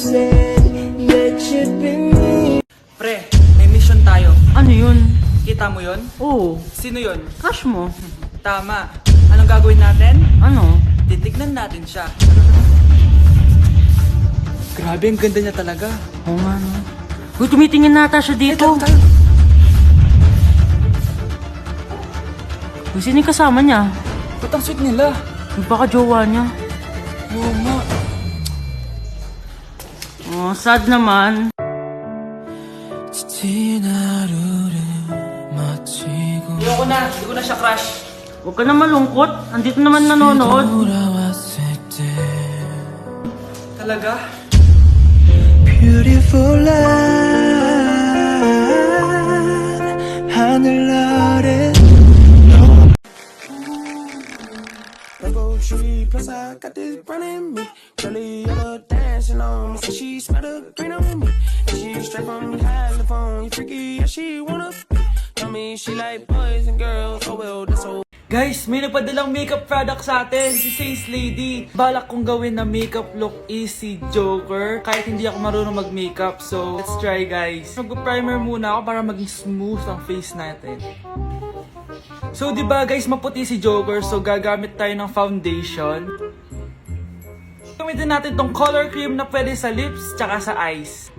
said that you'd be me. Pre, may mission tayo. Ano yun? Kita mo yon? Oo, Sino yon? crush mo. Tama. Anong gagawin natin? Ano? Titignan natin siya. Grabe, ang ganda niya talaga. Oo nga no. Uy, tumitingin nata siya dito. Tayo. Uy, sino yung kasama niya? Ba't ang sweet nila? Uy, baka jowa niya. Oo nga. Oh, sad naman. Hindi ko na siya crush. Huwag ka na malungkot. Andito naman nanonood. Talaga? Beautiful life, 하늘 아래. Rainbow tree, plus I got this brown in me. Really, yellow dancing on me, so she smell the green on me. And she straight from California, freaky, yeah, she wanna be. Tell me she like boys and girls, oh well, that's so. Guys, may nagpadalang makeup product sa atin, si Says Lady. Balak kong gawin na makeup look is si Joker, kahit hindi ako marunong mag-makeup. So, let's try guys. Mag-primer muna ako para maging smooth ang face natin. So, diba guys, maputi si Joker, so gagamit tayo ng foundation. Gamitin natin tong color cream na pwede sa lips, tsaka sa eyes.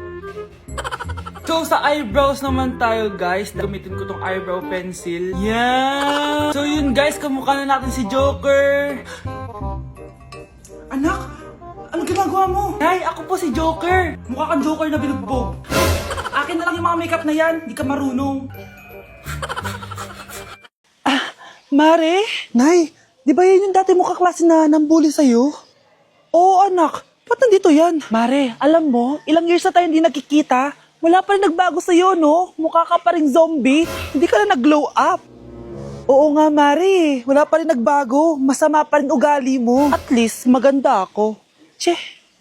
So, sa eyebrows naman tayo, guys. Gamitin ko tong eyebrow pencil. Yan! So, yun, guys. Kamukha na natin si Joker. Anak, anong ginagawa mo? Nay, ako po si Joker. Mukha kang Joker na binugbog. Akin na lang yung mga makeup na yan. Di ka marunong. Mare? Nay, di ba yan yung dati mo kaklase na nambuli sa'yo? Oo, anak. Ba't nandito yan? Mare, alam mo, ilang years na tayo hindi nakikita. Wala pa rin nagbago sa'yo, no? Mukha ka pa rin zombie. Hindi ka na nag-glow up. Oo nga, Mare. Wala pa rin nagbago. Masama pa rin ugali mo. At least, maganda ako. Che.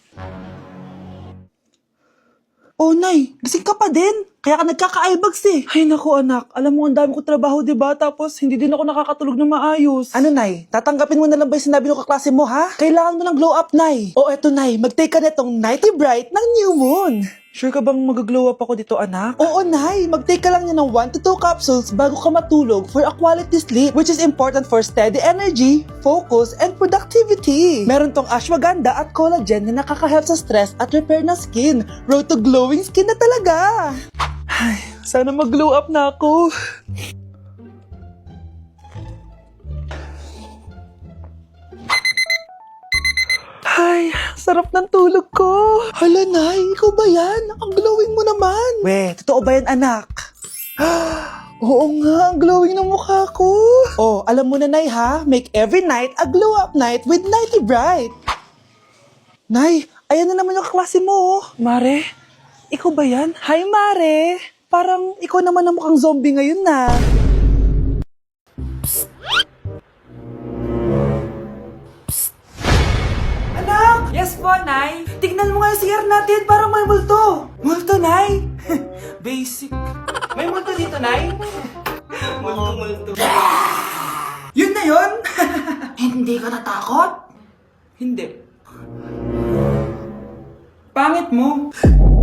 Oh, Nay, gising ka pa din. Kaya ka nagkaka-eyebags eh. Ay, naku anak. Alam mo, ang dami ko trabaho, diba? Tapos, hindi din ako nakakatulog ng maayos. Ano, Nay? Tatanggapin mo na lang ba yung sinabi ng kaklase mo, ha? Kailangan mo ng glow up, Nay. O, eto, Nay. Mag-take ka netong Nighty Bright ng New Moon. Sure ka bang mag-glow up ako dito, anak? Oo, Nay. Mag-take ka lang niya ng 1 to 2 capsules bago ka matulog for a quality sleep, which is important for steady energy, focus, and productivity. Meron tong ashwagandha at collagen na nakaka-help sa stress at repair ng skin. Road to glowing skin na talaga. Ay, sana mag-glow up na ako. Ay, sarap ng tulog ko. Hala, Nay, ikaw ba yan? Ang glowing mo naman. We, totoo ba yan, anak? Oo nga, ang glowing ng mukha ko. Oh, alam mo na, Nay, ha? Make every night a glow-up night with Nighty Bright. Nay, ayan na naman yung kaklase mo. Mare, ikaw ba yan? Hi, Mare. Parang ikaw naman ang mukhang zombie ngayon na. Anak! Yes po, Nay. Tignan mo nga yung CR natin. Parang may multo. Multo, Nay? Basic. May multo dito, Nay? Multo. Yun na yun? Hindi ka natakot? Hindi. Pangit mo.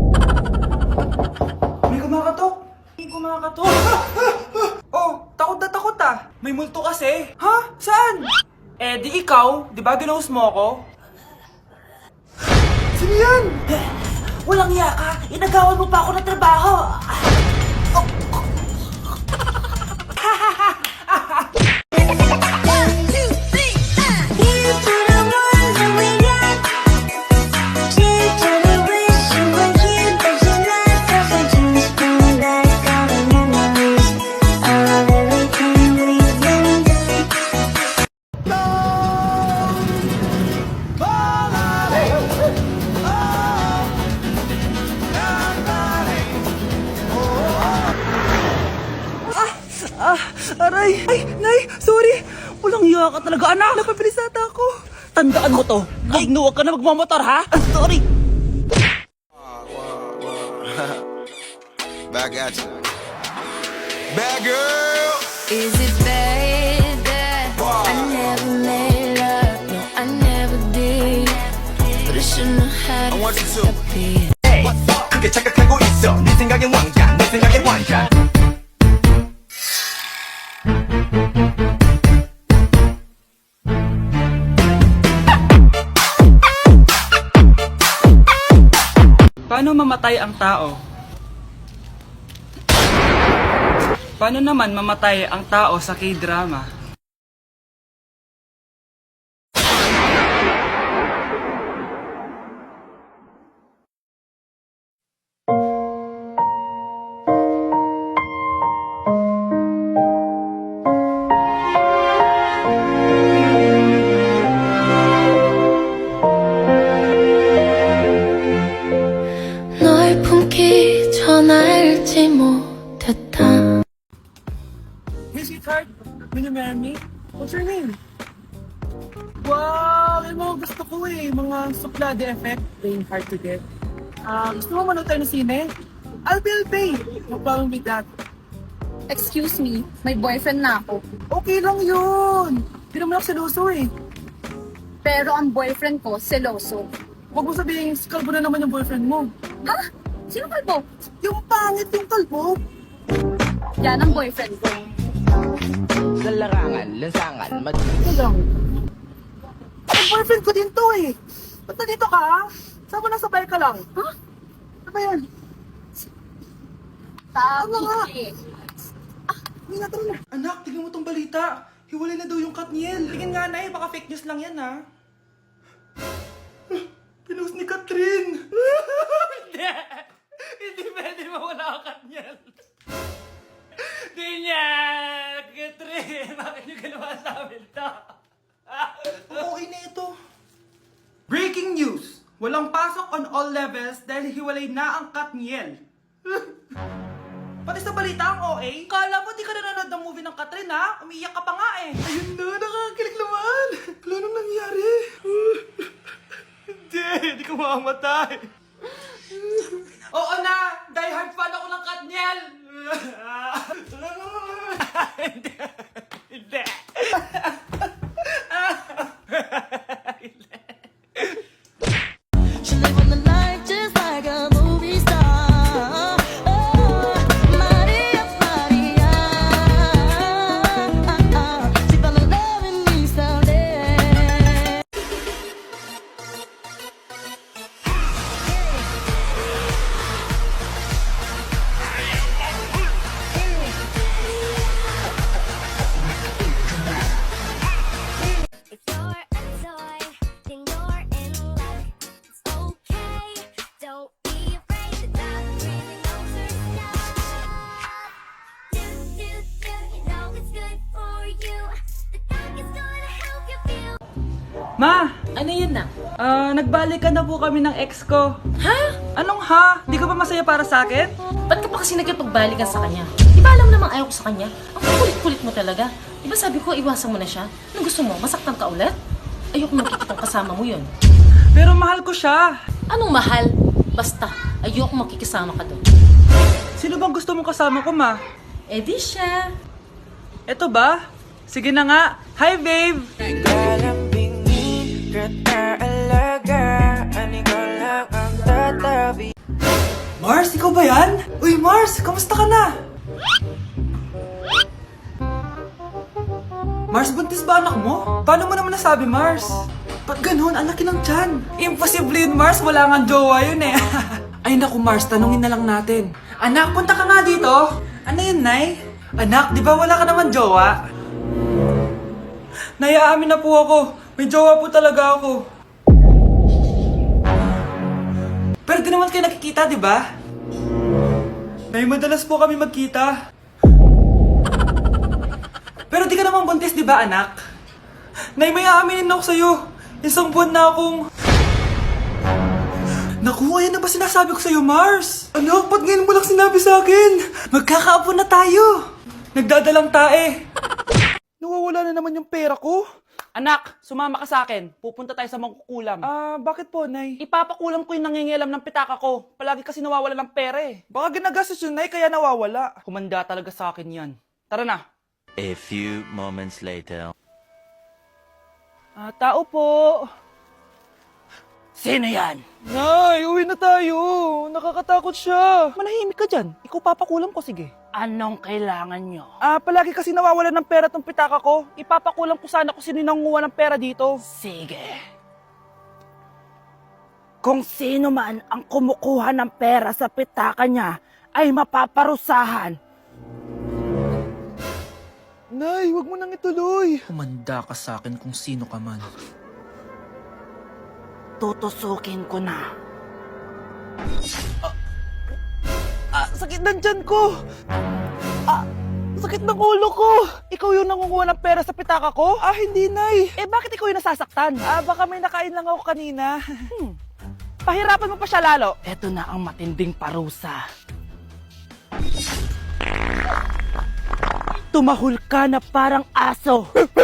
May kumakatok. May kumakatok. Oh, takot na takot ah. May multo kasi. Ha? Saan? Eh, di ikaw. Di ba ginose mo ako? Sino yan? Walang iya ka. Inagawan mo pa ako ng trabaho. Aray! Ay, Nay! Sorry! Walang iya ka talaga, anak! Napapilisata ako! Tandaan mo to! Ay, huwag ka na magmamotor, ha? Sorry! Back at you. Bad girl! Is it bad that I never made love? No, I never did. But I shouldn't have. bad. I want you to. Be 크게 착각하고 있어. 네 생각엔 왕자, 내 생각엔 왕자. Paano mamatay ang tao? Paano naman mamatay ang tao sa K-drama? 널 품기 전 알지 못했다. Hey sweetheart, will you marry me? What's your name? Wow, yung mga gusto ko mga suplade effect, playing hard to get. Gusto mo manood tayo ng sine? I'll pay. No problem with that. Excuse me, may boyfriend na ako. Okay lang yun. Hindi naman ako seloso Pero ang boyfriend ko, seloso. Huwag mo sabihin, kalbo na naman yung boyfriend mo. Ha? Sino kalbo? Yung pangit yung kalbo. Yan ang boyfriend ko. Ito lang. Ang boyfriend ko din to Ba't nandito ka? Saan mo nasabay ka lang? Ha? Ano ba yan? Sabi nga? eh. Hindi na tara na. Anak, tingnan mo tong balita. Hiwalay na daw yung Katniel. Tingin nga na baka fake news lang yan Pinost ni Catherine. Hindi. Hindi pwede mawala ang Katniel. Hindi niya. Catherine, bakit niyo ginawa sa amin to? Okay na ito. Breaking news. Walang pasok on all levels dahil hiwalay na ang Katniel. Pati sa balita ang OA, kala mo di ka nanonood ng movie ng Catherine Umiiyak ka pa nga Ayun na, nakakakilig naman. Wala nang nangyari. Hindi ka mamamatay. Oo na, die hard fan ako ng Katniel. Hindi. Hindi. She live on the life just like a movie star. Oh, Maria, Maria. She fell in love with me someday. If you're a toy, then you're in luck. It's okay, don't be afraid. The doctor really knows her stuff. Do, you know it's good for you. The doc is gonna help you feel. Ma, Ano yun na? nagbalikan na po kami ng ex ko. Ha? Anong ha? Di ka ba masaya para sa akin? Ba't ka pa kasi nagkipagbalikan sa kanya? Di ba alam namang ayaw ko sa kanya? Ang kulit-kulit mo talaga. Di ba sabi ko iwasan mo na siya? Anong gusto mo? Masaktan ka ulit? Ayoko makikitang kasama mo yun. Pero mahal ko siya. Anong mahal? Basta, ayoko makikisama ka doon. Sino bang gusto mong kasama ko, ma? Eh di siya. Eto ba? Sige na nga. Hi, babe! Mars, ikaw ba yan? Uy, Mars, kamusta ka na? Mars, buntis ba anak mo? Paano mo naman nasabi, Mars? Ba't ganun? Ang laki ng tiyan. Imposible yun, Mars. Wala nga jowa yun Ay naku, Mars, tanungin na lang natin. Anak, punta ka nga dito. Ano yun, Nay? Anak, di ba wala ka naman jowa? Nay, aamin na po ako. May jowa po talaga ako. Pero di naman kayo nakikita, di ba? Nay, madalas po kami magkita. Pero di ka naman buntis, di ba, anak? Nay, may aaminin ako sa'yo. Isang buwan na akong... Naku, ayan na ba sinasabi ko sa'yo, Mars? Anak, ba't ngayon mo lang sinabi sa akin? Magkakaapo na tayo. Nagdadalang tae. Nawawala na naman yung pera ko. Anak, sumama ka sa akin. Pupunta tayo sa mangkukulam. Bakit po, Nay? Ipapakulam ko yung nangingialam ng pitaka ko. Palagi kasi nawawala ng pera Baka ginagastos yun, Nay, kaya nawawala. Kumanda talaga sa akin yan. Tara na. A few moments later. Tao po. Sino yan? Nay, uwi na tayo. Nakakatakot siya. Manahimik ka dyan. Ikaw papakulam ko, sige. Anong kailangan nyo? Palagi kasi nawawalan ng pera tong pitaka ko. Ipapakulam ko sana kung sino nangunguha ng pera dito. Sige. Kung sino man ang kumukuha ng pera sa pitaka niya ay mapaparusahan. Nay, wag mo nang ituloy. Humanda ka sa akin kung sino ka man. Tutusukin ko na. Sakit ng tiyan ko. Sakit ng ulo ko. Ikaw yung nangunguha ng pera sa pitaka ko? Hindi, Nay. Bakit ikaw yung nasasaktan? Baka may nakain lang ako kanina. Pahirapan mo pa siya lalo. Eto na ang matinding parusa. Tumahol ka na parang aso.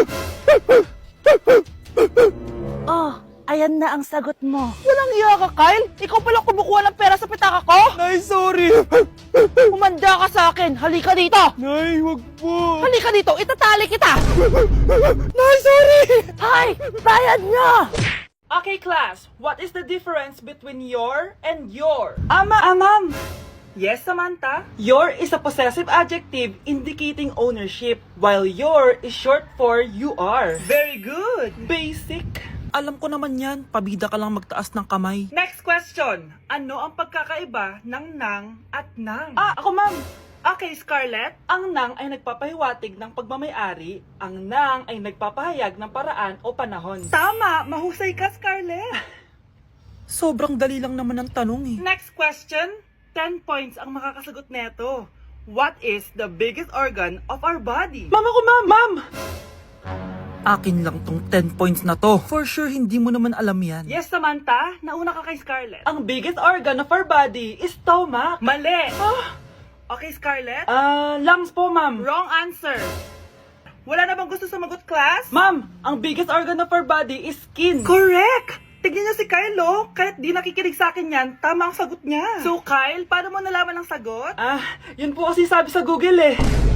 Oh, ayan na ang sagot mo. Walang iya ka, Kyle. Ikaw pala kumukuha ng pera sa pitaka ko? Nay, sorry. Humanda ka sa akin. Halika dito. Nay, wag po. Halika dito. Itatali kita. Nay, sorry. Hay! Bayad niya! Okay, class. What is the difference between your and your? Ma'am. Yes, Samantha. Your is a possessive adjective indicating ownership, while your is short for you are. Very good. Basic. Alam ko naman yan. Pabida ka lang magtaas ng kamay. Next question. Ano ang pagkakaiba ng nang at nang? Ako ma'am. Okay, Scarlett. Ang nang ay nagpapahiwatig ng pagmamayari. Ang nang ay nagpapahayag ng paraan o panahon. Tama! Mahusay ka, Scarlett. Sobrang dali lang naman ang tanong eh. Next question. 10 points ang makakasagot neto. What is the biggest organ of our body? Ma'am ako, ma'am! Akin lang tong 10 points na to. For sure, hindi mo naman alam yan. Yes, Samantha. Nauna ka kay Scarlett. Ang biggest organ of our body is stomach. Mali! Okay, Scarlett? Lungs po ma'am. Wrong answer. Wala na bang gusto sumagot, class? Ma'am, ang biggest organ of our body is skin. Correct! Tignan niyo si Kyle, oh. Kahit di nakikinig sa akin yan, tama ang sagot niya. So, Kyle, paano mo nalaman ang sagot? Yun po kasi sabi sa Google eh.